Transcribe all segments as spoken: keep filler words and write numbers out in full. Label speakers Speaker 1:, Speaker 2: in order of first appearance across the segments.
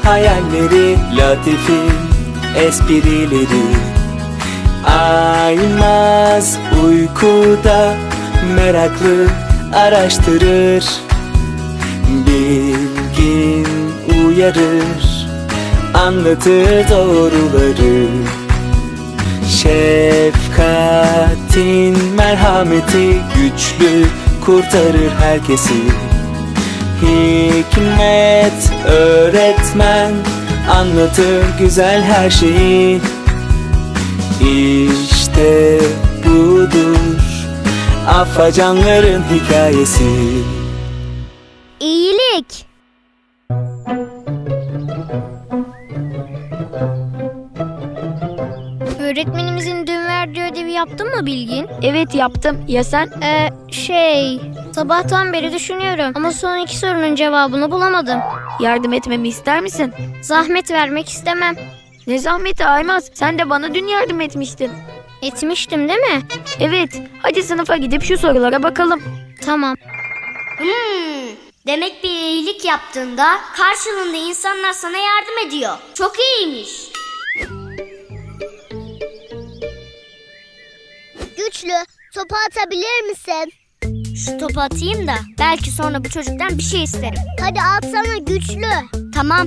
Speaker 1: hayalleri, latifi esprileri. Aymaz uykuda meraklı araştırır, bilgin uyarır, anlatır doğruları. Şefkatin merhameti güçlü, kurtarır herkesi. Hikmet öğretmen anlatır güzel her şeyi. İşte budur afacanların hikayesi.
Speaker 2: İyilik. Öğretmenimizin dün verdiği ödevi yaptın mı Bilgin?
Speaker 3: Evet yaptım. Ya sen?
Speaker 2: Ee, şey... Sabahtan beri düşünüyorum ama son iki sorunun cevabını bulamadım.
Speaker 3: Yardım etmemi ister misin?
Speaker 2: Zahmet vermek istemem.
Speaker 3: Ne zahmeti Aymaz? Sen de bana dün yardım etmiştin.
Speaker 2: Etmiştim değil mi?
Speaker 3: Evet. Hadi sınıfa gidip şu sorulara bakalım.
Speaker 2: Tamam.
Speaker 4: Hmm, demek bir iyilik yaptığında karşılığında insanlar sana yardım ediyor. Çok iyiymiş.
Speaker 5: Güçlü, topu atabilir misin?
Speaker 4: Şu topu atayım da belki sonra bu çocuktan bir şey isterim.
Speaker 5: Hadi atsana Güçlü.
Speaker 4: Tamam.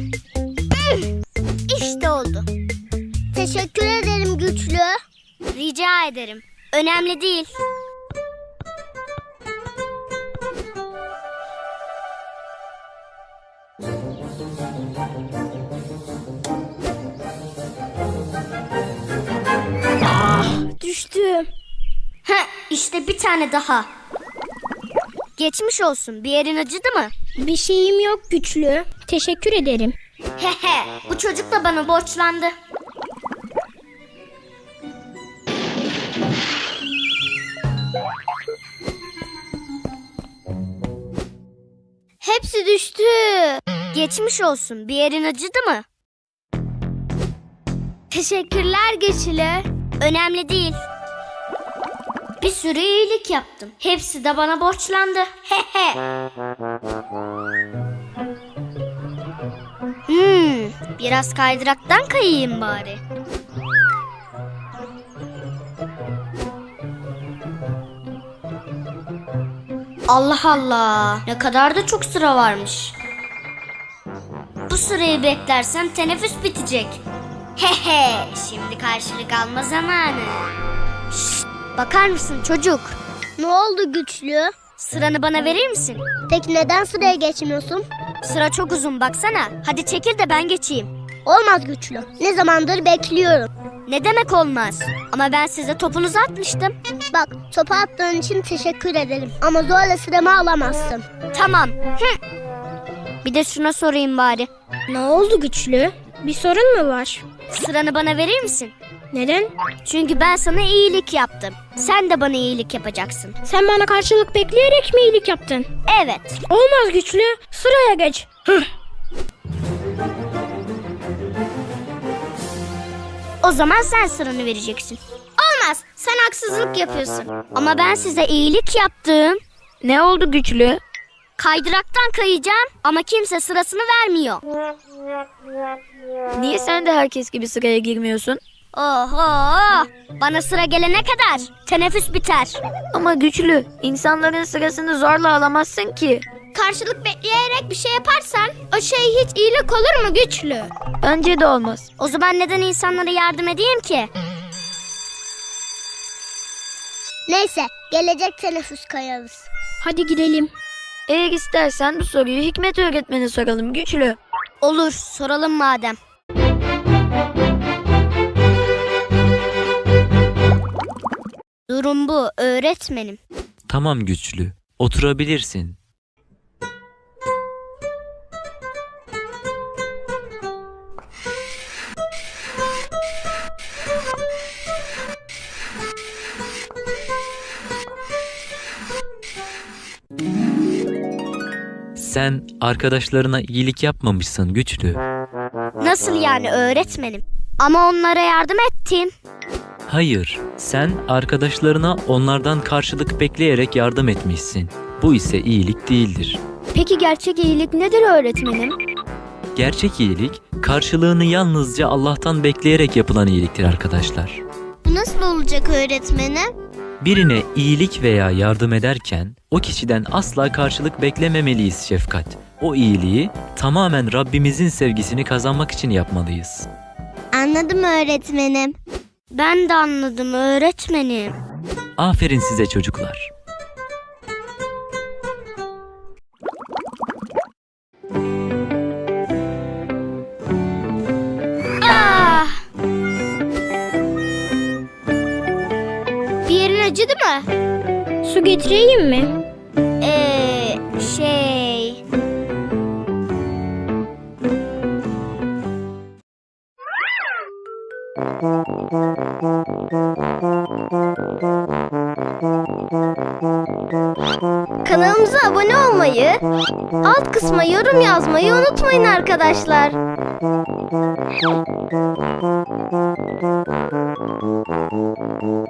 Speaker 4: İşte oldu.
Speaker 5: Teşekkür ederim Güçlü.
Speaker 4: Rica ederim. Önemli değil.
Speaker 2: Düştüm.
Speaker 4: Heh, işte bir tane daha. Geçmiş olsun. Bir yerin acıdı mı?
Speaker 2: Bir şeyim yok Güçlü. Teşekkür ederim.
Speaker 4: Hehe, bu çocuk da bana borçlandı.
Speaker 2: Hepsi düştü.
Speaker 4: Geçmiş olsun. Bir yerin acıdı mı?
Speaker 2: Teşekkürler Güçlü.
Speaker 4: Önemli değil. Bir sürü iyilik yaptım. Hepsi de bana borçlandı. Hehe. Hmm, biraz kaydıraktan kayayım bari. Allah Allah, ne kadar da çok sıra varmış. Bu sırayı beklersem teneffüs bitecek. Hehe, şimdi karşılık alma zamanı. Şşt, bakar mısın çocuk?
Speaker 5: Ne oldu Güçlü?
Speaker 4: Sıranı bana verir misin?
Speaker 5: Peki neden sıraya geçmiyorsun?
Speaker 4: Sıra çok uzun baksana. Hadi çekil de ben geçeyim.
Speaker 5: Olmaz Güçlü. Ne zamandır bekliyorum.
Speaker 4: Ne demek olmaz? Ama ben size topunuzu atmıştım.
Speaker 5: Bak, topu attığın için teşekkür ederim. Ama zorla sıramı alamazsın.
Speaker 4: Tamam. Hı. Bir de şuna sorayım bari.
Speaker 2: Ne oldu Güçlü? Bir sorun mu var?
Speaker 4: Sıranı bana verir misin?
Speaker 2: Neden?
Speaker 4: Çünkü ben sana iyilik yaptım. Sen de bana iyilik yapacaksın.
Speaker 2: Sen bana karşılık bekleyerek mi iyilik yaptın?
Speaker 4: Evet.
Speaker 2: Olmaz Güçlü. Sıraya geç. Hıh.
Speaker 4: O zaman sen sıranı vereceksin. Olmaz. Sen haksızlık yapıyorsun. Ama ben size iyilik yaptım.
Speaker 3: Ne oldu Güçlü?
Speaker 4: Kaydıraktan kayacağım ama kimse sırasını vermiyor.
Speaker 3: Niye sen de herkes gibi sıraya girmiyorsun?
Speaker 4: Oho! Bana sıra gelene kadar teneffüs biter.
Speaker 3: Ama Güçlü, insanların sırasını zorla alamazsın ki.
Speaker 2: Karşılık bekleyerek bir şey yaparsan o şey hiç iyilik olur mu Güçlü?
Speaker 3: Bence de olmaz.
Speaker 4: O zaman neden insanlara yardım edeyim ki?
Speaker 5: Neyse, gelecek teneffüs kayarız.
Speaker 2: Hadi gidelim.
Speaker 3: Eğer istersen bu soruyu Hikmet öğretmene soralım Güçlü.
Speaker 4: Olur, soralım madem. Durum bu öğretmenim.
Speaker 6: Tamam Güçlü, oturabilirsin. Sen arkadaşlarına iyilik yapmamışsın Güçlü.
Speaker 4: Nasıl yani öğretmenim? Ama onlara yardım ettim.
Speaker 6: Hayır, sen arkadaşlarına onlardan karşılık bekleyerek yardım etmişsin. Bu ise iyilik değildir.
Speaker 2: Peki gerçek iyilik nedir öğretmenim?
Speaker 6: Gerçek iyilik, karşılığını yalnızca Allah'tan bekleyerek yapılan iyiliktir arkadaşlar.
Speaker 5: Bu nasıl olacak öğretmenim?
Speaker 6: Birine iyilik veya yardım ederken o kişiden asla karşılık beklememeliyiz Şefkat. O iyiliği tamamen Rabbimizin sevgisini kazanmak için yapmalıyız.
Speaker 5: Anladım öğretmenim.
Speaker 4: Ben de anladım öğretmenim.
Speaker 6: Aferin size çocuklar.
Speaker 4: Ah!
Speaker 5: Bir yerin acıdı mı?
Speaker 2: Su getireyim mi?
Speaker 4: Ee, şey...
Speaker 5: Kanalımıza abone olmayı, alt kısma yorum yazmayı unutmayın arkadaşlar.